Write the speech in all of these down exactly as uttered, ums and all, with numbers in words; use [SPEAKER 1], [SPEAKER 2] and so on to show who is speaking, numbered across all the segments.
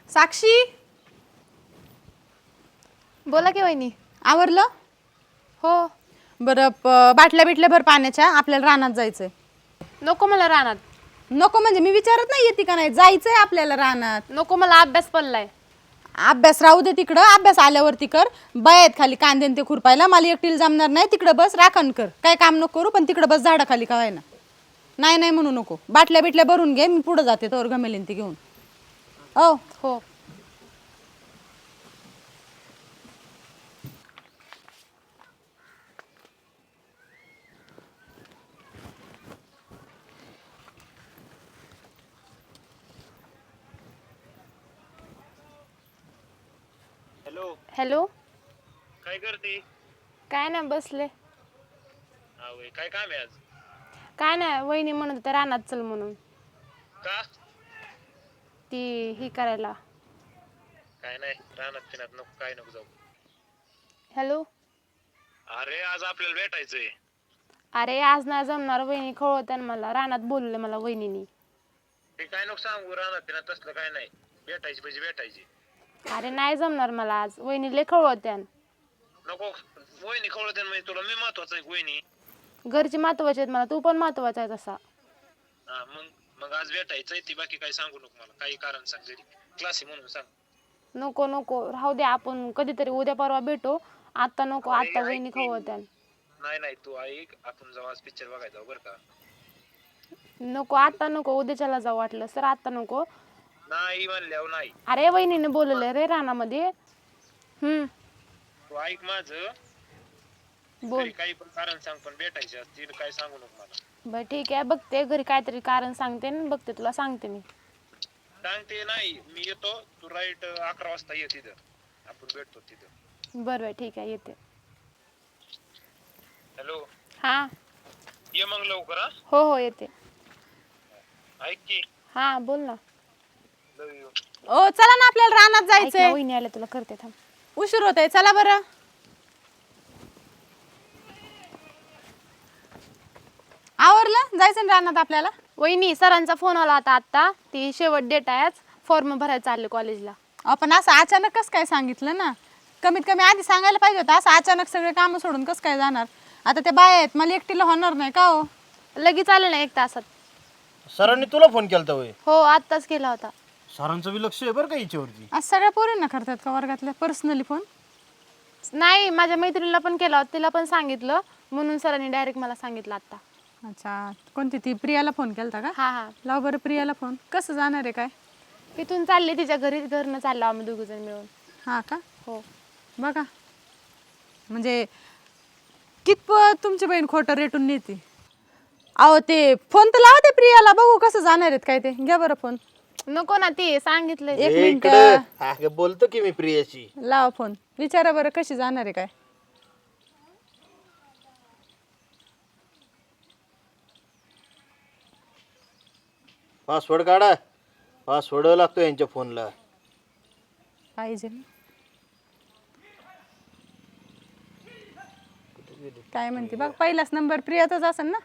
[SPEAKER 1] साक्षी,
[SPEAKER 2] बोला की वहिनी.
[SPEAKER 1] आवरलं?
[SPEAKER 2] हो.
[SPEAKER 1] बरं, प- बाटल्या बिटल्या भर पाण्याच्या, आपल्याला रानात जायचंय.
[SPEAKER 2] नको मला रानात.
[SPEAKER 1] नको म्हणजे मी विचारत नाही येते का नाही, जायचंय आपल्याला रानात.
[SPEAKER 2] नको मला अभ्यास पडलाय.
[SPEAKER 1] अभ्यास राहू दे तिकडं, अभ्यास आल्यावरती कर. बायात खाली कांदे ते खुरपायला, मला एकटीला जमणार नाही. तिकडं बस, राखण कर, काय काम नको करू, पण तिकडं बस झाडाखाली का व्हायना. नाही नाही म्हणू नको. बाटल्या बिटल्या भरून घे, मी पुढं जाते तोवर गमेलीन ती घेऊन. ओ
[SPEAKER 2] हो.
[SPEAKER 3] Hello,
[SPEAKER 2] hello.
[SPEAKER 3] काय करते?
[SPEAKER 2] काय नाही, बसले.
[SPEAKER 3] हा वय, काय काम आहे आज?
[SPEAKER 2] काय नाही, वहिनी म्हणत होत्या रानात चल म्हणून.
[SPEAKER 3] का?
[SPEAKER 2] ती ही करायला.
[SPEAKER 3] काय नाही, रानात पिनात नको, काय नको जाऊ.
[SPEAKER 2] हॅलो.
[SPEAKER 3] अरे आज आपल्याला भेटायचंय.
[SPEAKER 2] अरे आज नाही जमणार, वहिनी खवळत्या मला. रानात बोलले मला वहिनीनी.
[SPEAKER 3] ते काय नको सांगू, रानात पिनात तसलं काय नाही. भेटायची म्हणजे भेटायची.
[SPEAKER 2] अरे नाही जमणार मला आज, वहिनी लय खवळत्या.
[SPEAKER 3] नको, वहिनी खवळते म्हणजे तुला मी महत्वाचं आहे. वहिनी
[SPEAKER 2] घरची महत्वाची आहेत मला, तू पण महत्वाचा आहे तसा.
[SPEAKER 3] हा मग मग आज भेटायचंय. ती बाकी काय सांगू नको मला, काही कारण सांग, जरी क्लास म्हणून सांग.
[SPEAKER 2] नको नको, राहू दे, आपण कधीतरी उद्या परवा भेटू. आता नको,
[SPEAKER 3] अरे,
[SPEAKER 2] आता
[SPEAKER 3] ऐक
[SPEAKER 2] वहिनी
[SPEAKER 3] की.
[SPEAKER 2] खवळत्या.
[SPEAKER 3] नाही नाही, तू ऐक, आपण जाऊ आज पिक्चर बघायचा बरं का.
[SPEAKER 2] नको आता नको, उद्याच्याला जाऊ वाटलं सर, आता नको.
[SPEAKER 3] नाही म्हणल्यावर नाही.
[SPEAKER 2] अरे वहिनीने बोलवलंय रे रानामध्ये. हम्म.
[SPEAKER 3] तू ऐक माझं.
[SPEAKER 2] बोल.
[SPEAKER 3] घरी काही पण कारण सांग, पण भेटायची आज. तिला काय सांगू नको मला.
[SPEAKER 2] बर ठीक आहे, बघते घरी काहीतरी कारण सांगते न बघते, तुला सांगते मी.
[SPEAKER 3] सांगते नाही, मी येतो. तू राईट अकरा वाजता ये तिथं, आपण भेटतो तिथं.
[SPEAKER 2] बरं बरं ठीक आहे, येते.
[SPEAKER 3] हॅलो.
[SPEAKER 2] हा.
[SPEAKER 3] ये मग लवकर. हा
[SPEAKER 2] हो हो येते.
[SPEAKER 3] ऐक की.
[SPEAKER 2] हा बोल ना.
[SPEAKER 3] लव यू.
[SPEAKER 1] ओ चला ना, आपल्याला रानात
[SPEAKER 2] ऐक ना,
[SPEAKER 1] जायचंय.
[SPEAKER 2] वहिनी आल्या, तुला करते थांब.
[SPEAKER 1] उशीर होतोय, चला बरं. आवरलं? जायचं ना रानात आपल्याला.
[SPEAKER 2] वहिनी सरांचा फोन आला होता आता, ती शेवट डेट आहे आज, फॉर्म भरायला चालले कॉलेजला.
[SPEAKER 1] आपण असं अचानक कसं काय सांगितलं ना, कमीत कमी आधी सांगायला पाहिजे होतं. असं अचानक सगळे कामं सोडून कसं काय जाणार. आता ते बाय आहेत, मला एकटीला होणार नाही का हो.
[SPEAKER 2] लगेच आले ना एक तासात.
[SPEAKER 4] सरांनी तुला फोन केलता होय?
[SPEAKER 2] हो आत्ताच केला होता.
[SPEAKER 4] सरांचं बी लक्ष आहे बरं का हिच्यावरती.
[SPEAKER 1] आज सगळ्या पोरींना करतात का वर्गातल्या पर्सनली फोन?
[SPEAKER 2] नाही, माझ्या मैत्रिणीला पण केला होता, तिला पण सांगितलं, म्हणून सरांनी डायरेक्ट मला सांगितलं आता.
[SPEAKER 1] अच्छा, कोणती ती प्रियाला फोन केलता का?
[SPEAKER 2] हा हा.
[SPEAKER 1] लाव बरं प्रियाला फोन. कसं जाणार आहे काय?
[SPEAKER 2] इथून चालले तिच्या घरी, घरनं चाललो आम्ही दोघ जण मिळून.
[SPEAKER 1] हा का?
[SPEAKER 2] हो.
[SPEAKER 1] बघा म्हणजे कितपत तुमची बहीण खोटं रेटून नेते. अहो ते फोन तर लावा ते प्रियाला, बघू कसं जाणार आहेत काय ते. घ्या बरं फोन.
[SPEAKER 2] नको ना, ती सांगितलं.
[SPEAKER 1] एक
[SPEAKER 4] ए,
[SPEAKER 1] मिनिट.
[SPEAKER 4] इकडं. हा, ग, बोलतो की मी प्रियाशी.
[SPEAKER 1] लावा फोन, विचारा बरं कशी जाणार आहे काय.
[SPEAKER 4] पासवर्ड काढा. पासवर्ड लागतो यांच्या फोनला.
[SPEAKER 1] पाहिजे काय म्हणते बघ, पहिलाच नंबर प्रियाचाच असेल ना.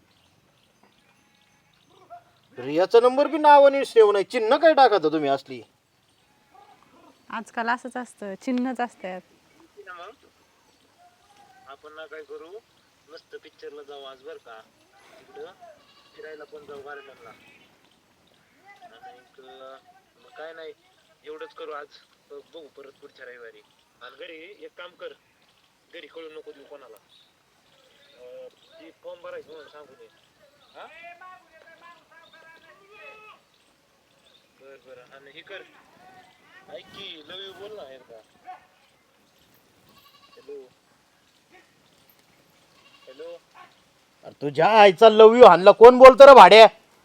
[SPEAKER 4] प्रियाचा नंबर बी नावाने सेव नाही, चिन्ह काय टाकता तुम्ही असली.
[SPEAKER 1] आजकाल असंच असतं, चिन्हच असतात.
[SPEAKER 3] आपण ना काय करू, मस्त पिक्चरला जाऊ आज बरं का. तिकडं फिरायला पण जाऊ गार्डनला. आणि मग काय नाही, एवढंच करू आज. बघू परत पुढच्या रविवारी. आणि घरी एक काम कर, घरी कळू नको देऊ कोणाला. ती फॉर्म भरायची म्हणून सांगू दे. हा बर बर. आणि हे कर, ऐक की, लव यू बोल ना एकदा. Hello hello.
[SPEAKER 4] अरे तुझ्या आईचा लव यू हाणला कोण बोलतो रे भाड्या?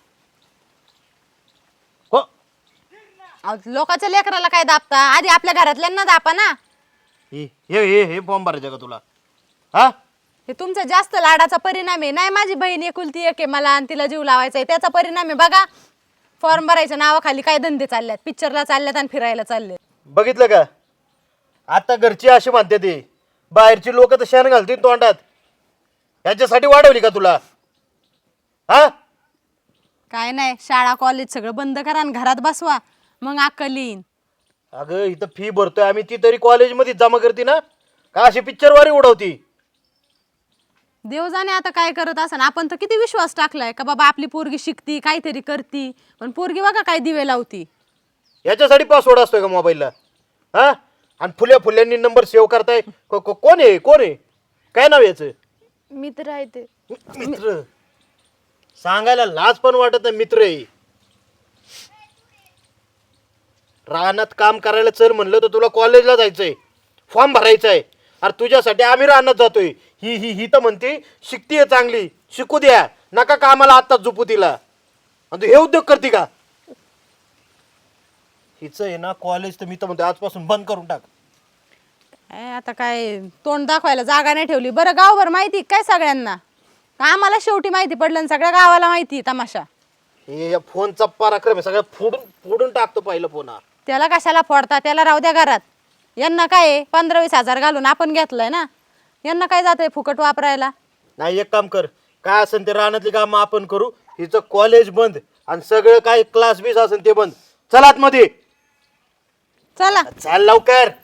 [SPEAKER 4] हो,
[SPEAKER 1] अहो, लोकांच्या लेकराला काय दाबता, आधी आपल्या घरातल्यांना दापा ना.
[SPEAKER 4] हे हे हे हे फॉर्म भरायचं का तुला? हा,
[SPEAKER 1] हे तुमचा जास्त लाडाचा परिणाम आहे. नाही माझी बहीण एकुलती एक आहे, मला आणि तिला जीव लावायचा आहे, त्याचा परिणाम आहे. बघा फॉर्म भरायच्या नावाखाली काय धंदे चालल्यात, पिक्चरला चालल्यात आणि फिरायला चाललेत.
[SPEAKER 4] बघितलं का? आता घरची अशी म्हणते ती, बाहेरची लोक तर शेण घालतील तोंडात. याच्यासाठी वाढवली का तुला? हा,
[SPEAKER 1] काय नाही, शाळा कॉलेज सगळं बंद करा आणि घरात बसवा, मग अक्कल येईन.
[SPEAKER 4] अगं इथं फी भरतोय आम्ही, ती तरी कॉलेजमध्ये जमा करते ना, का अशी पिक्चरवारी उडवती?
[SPEAKER 1] देव जाणे आता काय करत असं. आपण तर किती विश्वास टाकलाय का बाबा आपली पोरगी शिकती काहीतरी करती, पण पोरगी बघा काय दिवे लावती.
[SPEAKER 4] याच्यासाठी पासवर्ड असतोय का मोबाईलला? हा, आणि फुल्या फुल्यांनी नंबर सेव्ह करताय. को- को- कोण आहे कोण आहे काय नाव याचं?
[SPEAKER 2] मित्र आहे ते.
[SPEAKER 4] मित्र सांगायला लाज पण वाटत नाही, मित्र आहे. रानात काम करायला चल म्हणलं तर तुला कॉलेजला जायचंय, फॉर्म भरायचा आहे. अरे तुझ्यासाठी आम्ही रानात जातोय. ही ही ही तर म्हणते शिकतीये चांगली, शिकू द्या नका कामाला आत्ताच झोपू तिला, आणि तू हे उद्योग करते का? हिचं आहे ना कॉलेज तर मी तर म्हणतो आजपासून बंद करून टाक.
[SPEAKER 1] काय आता काय तोंड दाखवायला जागा नाही ठेवली. बरं गावभर माहिती काय सगळ्यांना? का आम्हाला शेवटी माहिती पडलं आणि सगळ्या गावाला माहिती तमाशा.
[SPEAKER 4] हे या फोनचा पराक्रम आहे, सगळं फोडून फोडून टाकतो पहिलं फोन हा.
[SPEAKER 1] त्याला कशाला फोडता, त्याला राहू द्या घरात. यांना काय आहे, पंधरा वीस हजार घालून आपण घेतलंय ना, यांना काय जातंय फुकट वापरायला.
[SPEAKER 4] नाही एक काम कर, काय असेल ते रानातली कामं आपण करू. हिचं कॉलेज बंद आणि सगळं काय क्लास बीस असेल ते बंद. चल आतमध्ये
[SPEAKER 1] चला
[SPEAKER 4] चाल लवकर.